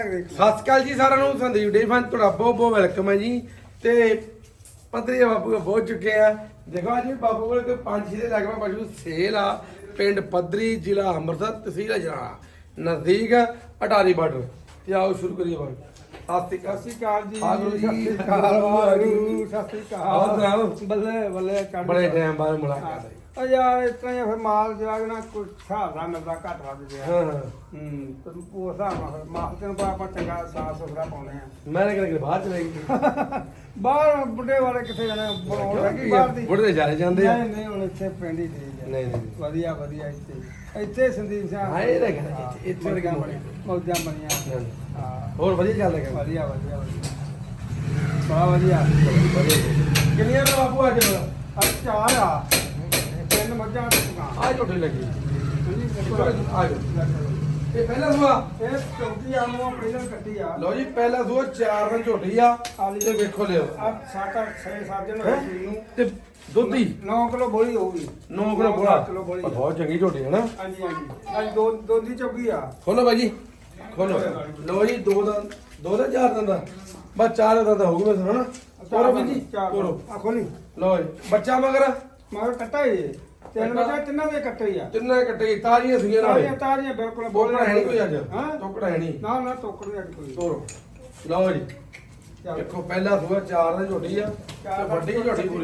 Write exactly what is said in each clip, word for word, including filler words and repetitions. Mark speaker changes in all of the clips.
Speaker 1: ਸਤਿ ਸ਼੍ਰੀ ਅਕਾਲ ਜੀ ਸਾਰਿਆਂ ਨੂੰ। ਸੰਦੀਪ ਡੇਅਰੀ ਫਾਰਮ ਤੁਹਾਡਾ ਬਹੁਤ ਬਹੁਤ ਵੈਲਕਮ ਹੈ ਜੀ। ਤੇ ਪੱਧਰੀ ਬਾਪੂ ਪਹੁੰਚ ਚੁੱਕੇ ਆ। ਦੇਖੋ ਅੱਜ ਬਾਪੂ ਕੋਲ ਕੋਈ ਪੰਜ ਛੇ ਦੇ ਲਗਭਗ ਪਸ਼ੂ ਸੇਲ ਆ। ਪਿੰਡ ਪੱਧਰੀ, ਜ਼ਿਲ੍ਹਾ ਅੰਮ੍ਰਿਤਸਰ, ਤਹਿਸੀਲ ਅਜਨਾਲਾ, ਨਜ਼ਦੀਕ ਅਟਾਰੀ ਬਾਰਡਰ। ਤੇ ਆਓ ਸ਼ੁਰੂ ਕਰੀਏ ਬਾਈ। ਸਤਿ ਸ਼੍ਰੀ ਅਕਾਲ ਜੀ।
Speaker 2: ਸਤਿ ਸ਼੍ਰੀ ਅਕਾਲ ਵਾਹਿਗੁਰੂ, ਸਤਿ ਸ਼੍ਰੀ ਅਕਾਲ। ਬੱਲੇ ਬੱਲੇ ਚੜ੍ਹ
Speaker 1: ਬੜੇ ਟਾਈਮ ਬਾਅਦ ਮੁਲਾਕਾਤ ਹੋਈ।
Speaker 2: ਆ ਯਾਰ ਇਸ ਤਰ੍ਹਾਂ ਹੀ ਫਿਰ ਮਾਲ ਜਿਹੜਾ ਨਾ ਕੋਈ ਹਿਸਾਬ ਨਾਲ ਮਿਲਦਾ ਘੱਟ ਵੱਧ ਗਿਆ।
Speaker 1: ਹਾਂ ਹਾਂ
Speaker 2: ਹੂੰ ਤੇ ਉਹ ਹਿਸਾਬ ਨਾਲ ਮਾਲ ਤੈਨੂੰ ਪਤਾ ਆਪਾਂ ਚੰਗਾ ਸਾਫ ਸੁਥਰਾ ਪਾਉਣੇ ਆ।
Speaker 1: ਮੈਂ ਕਿਹਾ ਕਿ ਬਾਹਰ ਚਲੇ ਗਈ।
Speaker 2: ਬਾਹਰ ਬੁੱਢੇ ਵਾਲੇ ਕਿੱਥੇ ਜਾਣੇ ਬਣਾਉਣ ਲੱਗੀ ਬਾਹਰ ਦੀ।
Speaker 1: ਬੁੱਢੇ ਦੇ ਜਾਰੇ ਜਾਂਦੇ ਆ।
Speaker 2: ਨਹੀਂ ਨਹੀਂ ਹੁਣ ਇੱਥੇ ਪਿੰਡ ਹੀ ਠੀਕ ਹੈ।
Speaker 1: ਨਹੀਂ ਨਹੀਂ
Speaker 2: ਵਧੀਆ ਵਧੀਆ ਇੱਥੇ ਇੱਥੇ ਸੰਦੀਪ ਸਿੰਘ
Speaker 1: ਹਾਂ ਇਹ ਤਾਂ ਕਹਿੰਦਾ ਇੱਥੇ ਇੱਥੇ ਵਰਗਾ
Speaker 2: ਮੌਜਾਂ ਮੌਜਾਂ ਬਣੀਆਂ। ਹਾਂ
Speaker 1: ਹੋਰ ਵਧੀਆ ਚੱਲਦਾ ਕੰਮ।
Speaker 2: ਵਧੀਆ ਵਧੀਆ ਵਧੀਆ ਬੜਾ ਵਧੀਆ।
Speaker 1: ਕਿੰਨੀਆਂ ਦਾ ਬਾਪੂ ਅੱਜ
Speaker 2: ਅੱਜ ਚਾਰ ਆ ਤਿੰਨ ਮੱਝਾਂ ਤੇ ਦੁਕਾਨ
Speaker 1: ਆ ਝੋਟੀ ਲੱਗੀ।
Speaker 2: ਹਾਂਜੀ
Speaker 1: ਆ ਜਾਓ। ਇਹ ਪਹਿਲਾ ਸੂਆ
Speaker 2: ਇਹ ਚੌਥੀ ਆ ਨੂੰ ਪਹਿਲਾਂ ਕੱਟੀ ਆ।
Speaker 1: ਲਓ ਜੀ ਪਹਿਲਾ ਸੂਆ ਚਾਰ ਦਿਨ ਝੋਟੀ ਆ। ਤੇ ਵੇਖੋ ਲਿਓ
Speaker 2: ਆ ਸੱਤ ਅੱਠ ਛੇ ਸੱਤ ਦਿਨ ਹੋਏ ਸੀ ਨੂੰ
Speaker 1: ਤੇ ਦੁੱਧੀ
Speaker 2: ਨੌ ਕਿਲੋ ਬੋਲੀ ਹੋਊਗੀ।
Speaker 1: ਨੌ ਕਿਲੋ ਬੋਲਾ
Speaker 2: ਕਿਲੋ ਬੋਲੀ।
Speaker 1: ਬਹੁਤ ਚੰਗੀ ਝੋਟੀ ਹੈ ਨਾ।
Speaker 2: ਹਾਂਜੀ ਹਾਂਜੀ ਅੱਜ ਦੋ ਦੋ ਦੀ ਚੌਕੀ ਆ।
Speaker 1: ਖੋਲੋ ਬਾਈ ਜੀ ਖੋਲੋ। ਲਓ ਜੀ ਦੋ ਦਾ ਦੋ ਦਾ ਚਾਰ ਦਿਨ ਦਾ ਬਸ ਚਾਰ ਦਿਨ ਦਾ ਹੋਊਗਾ ਸਰ ਹਨਾ। ਤੋਰੋ ਬਾਈ ਜੀ ਤੋਰੋ।
Speaker 2: ਆ ਖੋਲੀ
Speaker 1: ਲਓ ਜੀ ਬੱਚਾ ਮਗਰ
Speaker 2: ਮਗਰ ਕੱਟਾ ਹੀ ਇਹ। ਤਿੰਨ ਮੱਝਾਂ ਤਿੰਨਾਂ ਦੇ ਕੱਟੇ ਹੀ ਆ।
Speaker 1: ਤਿੰਨੇ ਕੱਟੇ ਤਾਜ਼ੀਆਂ ਸੀਗੀਆਂ ਨਾਲੇ।
Speaker 2: ਤਾਰੀਆਂ ਤਾਰੀਆਂ ਬਿਲਕੁਲ
Speaker 1: ਟੋਕੜਾ ਹੈ ਨਹੀਂ ਕੋਈ ਅੱਜ।
Speaker 2: ਹਾਂ
Speaker 1: ਟੋਕੜਾ ਹੈ ਨਹੀਂ।
Speaker 2: ਨਾ ਨਾ ਟੋਕੜ ਨਹੀਂ ਅੱਜ ਕੋਈ।
Speaker 1: ਤੋਰੋ। ਲਓ ਜੀ
Speaker 2: ਚੱਲ।
Speaker 1: ਦੇਖੋ ਪਹਿਲਾ ਸੂਆ ਚਾਰ ਦਿਨ ਝੋਟੀ ਆ ਤੇ ਵੱਡੀ ਝੋਟੀ ਪੂਰੀ।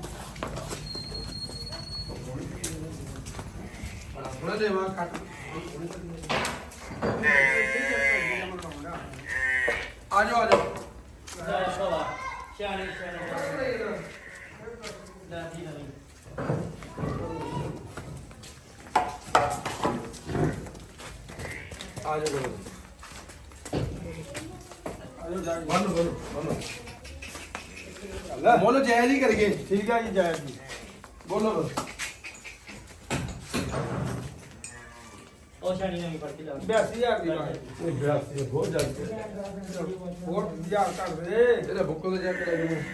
Speaker 1: ਥੋੜਾ ਦੇਵਾ ਕੱਟ ਆ ਜਾਓ ਆ ਜਾਓ। ਆ ਜਾਓ
Speaker 2: ਆਜੋ ਜਾ ਕੇ।
Speaker 1: ਬੰਨ ਬੰਨ ਬੰਨ
Speaker 2: ਲੈ।
Speaker 1: ਬੋਲੋ ਜੈ ਜੀ ਕਰੀਏ।
Speaker 2: ਠੀਕ ਆ ਜੀ ਜੈ ਜੀ।
Speaker 1: ਬੋਲੋ ਬਸ।
Speaker 3: ਉਹ ਛਾਣੀ ਨਵੀਂ ਫੜ ਕੇ ਲਿਆ
Speaker 2: ਬਿਆਸੀ ਹਜ਼ਾਰ ਦੀ ਬਾਤ।
Speaker 1: ਇਹ ਬਿਆਸੀ ਬਹੁਤ ਜਲਦੀ
Speaker 2: ਹੋਰ ਹਜ਼ਾਰ ਕਰ ਦੇ।
Speaker 1: ਇਹਦਾ ਬੁੱਕੋ ਤੇ ਜਾ ਕੇ ਲੈ ਜਾਓ।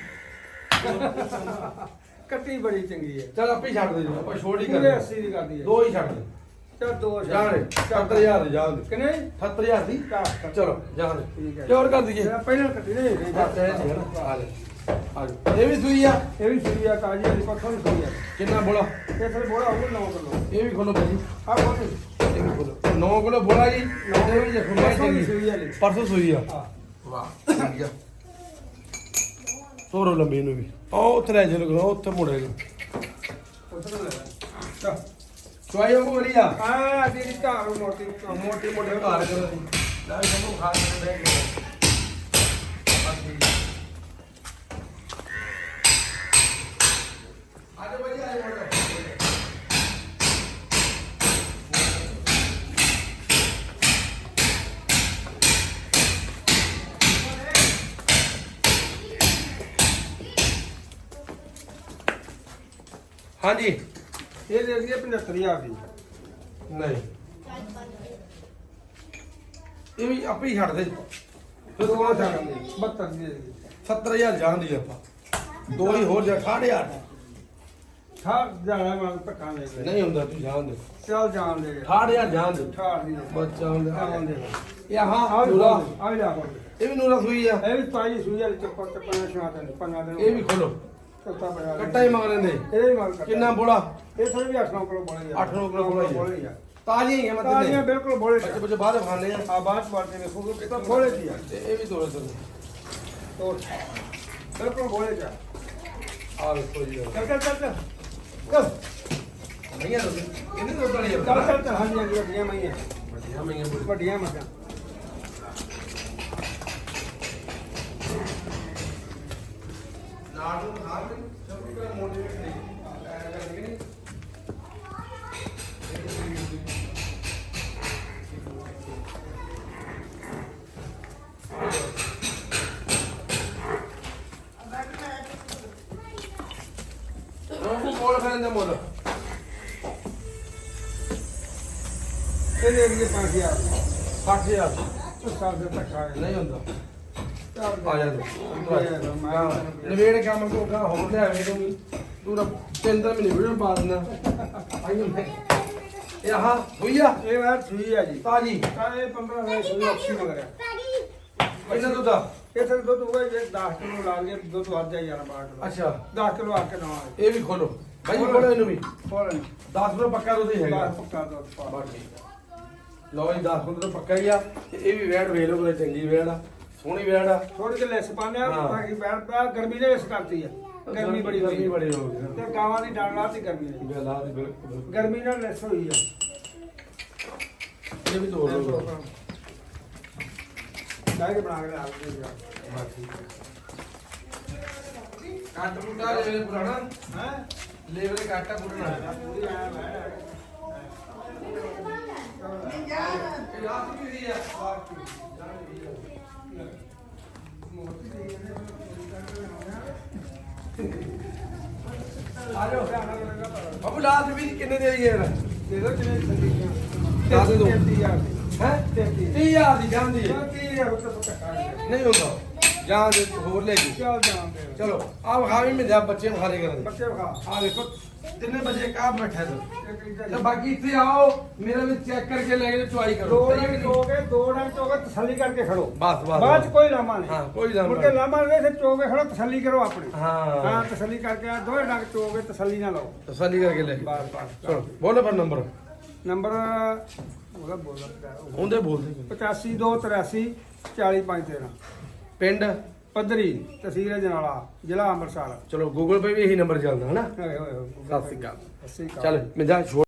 Speaker 2: ਕੱਟੀ ਬੜੀ ਚੰਗੀ ਹੈ।
Speaker 1: ਚਲ ਆਪੇ ਹੀ ਛੱਡ ਦੇ ਜੀ ਆਪਾਂ ਛੋੜ ਹੀ
Speaker 2: ਪੂਰੇ
Speaker 1: ਕਰਦੇ
Speaker 2: ਅੱਸੀ ਦੀ ਕਰਦੀ ਹੈ।
Speaker 1: ਦੋ ਹੀ ਛੱਡ ਦੇ
Speaker 2: ਚੱਲ ਦੋ
Speaker 1: ਜਾਣ ਸੱਤਰ ਹਜ਼ਾਰ ਦੀ ਜਾਣ ਦੇ
Speaker 2: ਕਿੰਨੇ
Speaker 1: ਅਠੱਤਰ ਹਜ਼ਾਰ ਦੀ
Speaker 2: ਚਾਰ
Speaker 1: ਚਲੋ ਜਾਣ ਦੇ
Speaker 2: ਠੀਕ ਹੈ।
Speaker 1: ਕੀ ਹੋਰ ਕਰ ਦਈਏ।
Speaker 2: ਪਹਿਲਾਂ ਕੱਟੀ ਨਹੀਂ
Speaker 1: ਬਸ ਇਹ ਨਹੀਂ ਹੈ ਨਾ ਆ ਲੈ ਆ ਜਾ। ਇਹ ਵੀ ਸੂਈ ਆ।
Speaker 2: ਇਹ ਵੀ ਸੂਈਆ ਤਾਜੀ ਵਾਲੀ ਪੱਖੋਂ ਵੀ ਸੂਈਆ।
Speaker 1: ਕਿੰਨਾ ਬੋਲਾ
Speaker 2: ਇਹ ਫਿਰ ਬੋੜਾ ਹੋਊਗਾ ਨੌ ਕਿਲੋ।
Speaker 1: ਇਹ ਵੀ ਖੋਲੋ ਭਾਜੀ
Speaker 2: ਆ ਖੋਲੀ
Speaker 1: ਇਹ ਵੀ ਖੋਲੋ ਨੌ ਕਿਲੋ ਬੋਲਾ ਜੀ। ਇਹ ਵੀ ਦੇਖੋ ਮੈਂ
Speaker 2: ਪਰਸੋਂ ਦੀ
Speaker 1: ਚੰਗੀ
Speaker 2: ਸੂਈ ਵਾਲੀ।
Speaker 1: ਪਰਸੋਂ ਸੂਈ ਆ।
Speaker 2: ਹਾਂ
Speaker 1: ਵਾਹ ਠੀਕ ਆ। ਤੋਰੋ ਲੰਬੀ ਨੂੰ ਵੀ ਉਹ ਉੱਥੇ ਲੈ ਚਲੋ ਉੱਥੇ ਮੁੜੇਗਾ।
Speaker 2: ਉਧਰ ਲੈ ਚੱਲ
Speaker 1: ਚੁਆਈ ਉਹ ਵਾਲੀ ਆ
Speaker 2: ਆ ਜਿਹੜੀ ਧਾਰ ਮੋਟੀ
Speaker 1: ਮੋਟੀ ਮੋਟੀ ਘਰ ਕਰੋ ਜੀ ਲੈ ਸਾਨੂੰ ਖਾ ਕੇ ਬੈਠ ਗਏ ਆਜੋ ਭਾਈ ਆਜੋ ਮੋਟਾ ਹਾਂਜੀ
Speaker 2: ਇਹ ਦੇ ਦਈਏ ਪਝੱਤਰ ਹਜ਼ਾਰ ਦੀ।
Speaker 1: ਨਹੀਂ ਇਹ ਵੀ ਆਪੇ ਹੀ ਛੱਡ ਦੇ ਫਿਰ
Speaker 2: ਦੋ
Speaker 1: ਕੋਲ
Speaker 2: ਹਜ਼ਾਰ
Speaker 1: ਛੱਡ
Speaker 2: ਦੀ ਬਹੱਤਰ ਦੀ ਦੇ ਦਈਏ।
Speaker 1: ਸੱਤਰ ਹਜ਼ਾਰ ਜਾਂਦੀ ਆਪਾਂ ਦੋ ਹੀ ਹੋਰ ਜਾ ਅਠਾਹਠ ਹਜ਼ਾਰ
Speaker 2: ਠਾਹ ਜਾਣਾ ਮੈਂ ਧੱਕਾ ਦੇ ਦੇ।
Speaker 1: ਨਹੀਂ ਹੁੰਦਾ ਤੂੰ ਜਾਣ ਦੇ
Speaker 2: ਚੱਲ ਜਾਣ ਦੇ।
Speaker 1: ਅਠਾਹਠ ਹਜ਼ਾਰ ਜਾਣ ਦੇ
Speaker 2: ਠਾਹ ਦੀ
Speaker 1: ਬੱਚਾ ਹੁੰਦਾ
Speaker 2: ਜਾਣ ਦੇ।
Speaker 1: ਇਹ ਹਾਂ
Speaker 2: ਆ ਵੀ
Speaker 1: ਨੂਰਾ
Speaker 2: ਆ ਵੀ ਲਾ ਕੋਲ।
Speaker 1: ਇਹ ਵੀ ਨੂਰਾ ਸੂਈ ਆ
Speaker 2: ਇਹ ਵੀ ਤਾਜੀ ਸੂਈ ਵਾਲੀ ਚੱਪਾ ਚੱਪਾ ਸ਼ਾਤ ਹੈ ਪੰਨਾ ਦਿਨ।
Speaker 1: ਇਹ ਵੀ ਖੋਲੋ
Speaker 2: ਕੱਟਾ ਪਿਆ।
Speaker 1: ਕੱਟਾ ਹੀ ਮਗਰ ਲੈਂਦੇ
Speaker 2: ਇਹ ਵੀ ਮਾਲ ਕੱਟਾ।
Speaker 1: ਕਿੰਨਾ ਬੋਲਾ
Speaker 2: ਇਹ ਥੋੜੀ ਵੀ ਅੱਠ ਨੌ ਕਿਲੋ ਬੋਲੇ ਆ।
Speaker 1: ਅੱਠ ਨੌ ਕਿਲੋ ਬੋਲਾ ਹੀ ਆ।
Speaker 2: ਬੋਲੇ ਆ।
Speaker 1: ਤਾਜ਼ੀਆਂ ਹੀ ਆ ਮਤਲਬ
Speaker 2: ਤਾਜ਼ੀਆਂ ਬਿਲਕੁਲ ਬੋਲੇ
Speaker 1: ਬੱਚੇ ਬੱਚੇ ਬਾਹਰ ਖਾਣੇ ਆ
Speaker 2: ਆ ਬਾਅਦ ਵਾਰਤੇ ਵੇਖੋ ਕਿ ਤਾਂ ਬੋਲੇ ਦੀ ਆ।
Speaker 1: ਤੇ ਇਹ ਵੀ ਤੋੜੇ ਤੋੜੇ
Speaker 2: ਤੋੜ ਬਿਲਕੁਲ ਬੋਲੇ ਜਾ।
Speaker 1: ਆ ਵੇਖੋ ਜੀ
Speaker 2: ਚੱਲ ਚੱਲ ਚੱਲ ਚੱਲ ਚੱਲ
Speaker 1: ਨਹੀਂ ਆ ਇਹਨੇ ਤੋਂ ਤੜੀ ਆ
Speaker 2: ਚੱਲ ਚੱਲ ਚੱਲ ਹਾਂਜੀ ਹਾਂਜੀ ਵੱਡੀਆਂ ਮਈਆਂ
Speaker 1: ਵਧੀਆ ਮੈਂ ਬੋਲੀ
Speaker 2: ਵੱਡੀਆਂ ਮੱਝਾਂ।
Speaker 1: ਨਾਲ ਨੂੰ ਹਾਰ ਕੇ ਸਭ ਨੂੰ ਮੋਟੀਵੇਟ ਨਹੀਂ ਕਰਦੇ ਨਹੀਂ ਉਹ ਕੋਲ ਖੜਨ ਦਾ ਮੁੱਲ
Speaker 2: ਇਹ ਦੇ ਦਈਏ ਪੰਜ ਹਜ਼ਾਰ
Speaker 1: ਸੱਠ ਹਜ਼ਾਰ
Speaker 2: ਉਸ ਸਾਲ ਦੇ ਤੱਕ ਆਏ
Speaker 1: ਨਹੀਂ ਹੁੰਦਾ
Speaker 2: ਚੱਲ
Speaker 1: ਆ ਜਾ
Speaker 2: ਮੈਂ
Speaker 1: ਨਵੇੜ ਕੰਮ ਕੋ ਕਾ ਹੋਰ ਲਿਆਵੇਂ ਤੂੰ ਤੂੰ ਤਾਂ ਤਿੰਨ ਦਿਨ ਮਹੀਨੇ ਵੀਡੀਓ ਪਾ ਦਿੰਦਾ ਆਈ ਮੈਂ ਇਹ ਆਹ ਹੋਈ ਆ
Speaker 2: ਇਹ ਵਾਰ ਸੂਈ ਆ ਜੀ
Speaker 1: ਤਾਜੀ
Speaker 2: ਤਾਂ ਇਹ ਪੰਦਰਾਂ ਹਜ਼ਾਰ ਸੂਈ ਅੱਛੀ ਮਗਰ ਆ।
Speaker 1: ਦੁੱਧ ਆ
Speaker 2: ਇਹ ਤੇ ਦੁੱਧ ਹੋਗਾ ਜੇ ਦਸ ਕਿਲੋ ਲਾ ਲਈਏ ਦੁੱਧ ਵੱਧ ਜਾਏ ਯਾਰ ਬਾਹਰ ਕਿਲੋ
Speaker 1: ਅੱਛਾ
Speaker 2: ਦਸ ਕਿਲੋ ਆ ਕੇ ਨਾ ਆਏ
Speaker 1: ਇਹ ਵੀ ਖੋਲੋ ਭਾਈ ਖੋਲੋ ਇਹਨੂੰ ਵੀ
Speaker 2: ਹੋਰ
Speaker 1: ਦਸ ਕਿਲੋ ਪੱਕਾ ਦੁੱਧ ਹੀ ਹੈਗਾ
Speaker 2: ਦਸ ਪੱਕਾ ਦੁੱਧ ਪਾ
Speaker 1: ਬਸ ਠੀਕ ਆ। ਲਓ ਜੀ ਦਸ ਕਿਲੋ ਪੱਕਾ ਹੀ ਆ ਤੇ ਇਹ ਵੀ ਵੈੜ ਵੇਖ ਲਓ ਬੜੇ ਚੰਗੀ ਵੈੜ ਆ ਸੋਹਣੀ ਵੈੜ ਆ
Speaker 2: ਥੋੜੀ ਜਿਹੀ ਲੈਸ ਪਾਉਂਦੇ ਆ
Speaker 1: ਹਾਂ।
Speaker 2: ਬਾਕੀ ਬੈਠ ਪਿਆ ਗਰਮੀ ਨੇ ਇਸ ਕਰਤੀ ਆ ਗਰਮੀ ਬੜੀ
Speaker 1: ਗਰਮੀ
Speaker 2: ਹੋਈ
Speaker 1: ਬੜੀ ਹੋ ਗਈ
Speaker 2: ਤੇ ਗਾਵਾਂ ਦੀ ਡਾਂਡ ਲਾਤੀ ਗਰਮੀ ਨੇ
Speaker 1: ਗੱਲ ਆ ਤੇ ਬਿਲਕੁਲ
Speaker 2: ਗਰਮੀ ਨਾਲ ਲੈਸ ਹੋਈ ਆ
Speaker 1: ਇਹ ਵੀ ਤੋੜ ਲਓ
Speaker 2: ਲੈ ਕੇ ਬਣਾ ਕੇ ਲਿਆ ਦੇ ਯਾਰ
Speaker 1: ਬਸ ਠੀਕ ਆ ਕੱਟ ਮੁੱਟਾ ਲੈ ਪੁਰਾਣਾ
Speaker 2: ਹੈ
Speaker 1: ਲੇਵਲ ਕਾਟਾ ਪੁਰਾਣਾ
Speaker 2: ਪੂਰੀ ਆਇਆ ਮੈਂ
Speaker 1: ਇਹ ਰਾਤ ਕੀ ਦੀ ਆ ਆ ਜਾਓ ਬਾਬੂ ਲਾਲ ਵੀ ਕਿੰਨੇ ਦੇ ਆਈ ਯਾਰ
Speaker 2: ਦੇ ਦੋ ਕਿੰਨੇ ਸੰਦੀਪ
Speaker 1: ਦੱਸ ਦਿਓ।
Speaker 2: ਤੇਤੀ ਹਜ਼ਾਰ ਦੀ
Speaker 1: ਹੈ
Speaker 2: ਤੇਤੀ
Speaker 1: ਤੀਹ ਹਜ਼ਾਰ ਦੀ ਜਾਂਦੀ ਹੈ
Speaker 2: ਤੀਹ ਹਜ਼ਾਰ ਉੱਤੇ ਤੋਂ ਕੱਟਾ
Speaker 1: ਨਹੀਂ ਹੁੰਦਾ ਜਾਂ ਦੇ ਹੋਰ ਲੈ ਜੀ
Speaker 2: ਚੱਲ ਜਾਣਦੇ
Speaker 1: ਚਲੋ ਆ ਵਿਖਾ ਵੀ ਮਿਲਿਆ ਬੱਚੇ ਵਿਖਾਲੇ ਕਰਨ
Speaker 2: ਬੱਚੇ ਵਿਖਾ
Speaker 1: ਆ ਦੇਖੋ ਤਿੰਨੇ ਬੱਚੇ ਕਾਹ ਬੈਠੇ ਨੇ
Speaker 2: ਇੱਕ ਇੱਕ
Speaker 1: ਤੇ ਬਾਕੀ ਇੱਥੇ ਆਓ ਮੇਰਾ ਵੀ ਚੈੱਕ ਕਰਕੇ ਲੈ ਕੇ ਚੁਆਈ ਕਰੋ
Speaker 2: ਦੋ
Speaker 1: ਸਹੀ ਹੈ ਕਿ
Speaker 2: ਡੰਗ
Speaker 1: ਨਹੀਂ?
Speaker 2: ਚੋਗੇ ਦੋ ਡੰਗ ਚੋਗੇ ਤਸੱਲੀ ਕਰਕੇ ਖੜੋ
Speaker 1: ਬਸ ਬਸ
Speaker 2: ਬਾਅਦ ਚ ਕੋਈ ਲਾਮਾ ਨਹੀਂ
Speaker 1: ਹਾਂ ਕੋਈ ਜਾਣ
Speaker 2: ਮੁੜ ਕੇ ਲਾਮਾ ਨਹੀਂ ਫਿਰ ਚੋਗੇ ਖੜੋ ਤਸੱਲੀ ਕਰੋ ਆਪਣੀ
Speaker 1: ਹਾਂ
Speaker 2: ਹਾਂ ਤਸੱਲੀ ਕਰਕੇ ਆ ਦੋਵੇਂ ਡੰਗ ਚੋਗੇ ਤਸੱਲੀ ਨਾ ਲਓ
Speaker 1: ਤਸੱਲੀ ਕਰਕੇ ਲੈ ਕੇ
Speaker 2: ਬਸ ਬਸ
Speaker 1: ਚਲੋ ਬੋਲੋ ਪਰ ਨੰਬਰ
Speaker 2: ਨੰਬਰ ਉਹਦਾ ਬੋਲਦਾ
Speaker 1: ਉਹਦੇ ਬੋਲਦੇ
Speaker 2: ਪਚਾਸੀ ਦੋ ਤਰਾਸੀ ਚਾਲੀ ਪੰਜ ਤੇਰਾਂ
Speaker 1: ਪਿੰਡ
Speaker 2: ਪੱਧਰੀ ਤਹਿਸੀਲ ਜਨਾਲਾ ਜ਼ਿਲ੍ਹਾ ਅੰਮ੍ਰਿਤਸਰ
Speaker 1: ਚਲੋ ਗੂਗਲ ਪੇ ਵੀ ਇਹੀ ਨੰਬਰ ਚੱਲਦਾ ਹਨਾ
Speaker 2: ਹੋਏ ਹੋਏ ਹੋਏ
Speaker 1: ਸਤਿ ਸ਼੍ਰੀ ਅਕਾਲ
Speaker 2: ਸਤਿ ਸ਼੍ਰੀ ਅਕਾਲ
Speaker 1: ਚੱਲ ਮਿੰਦਾ ਛੋੜ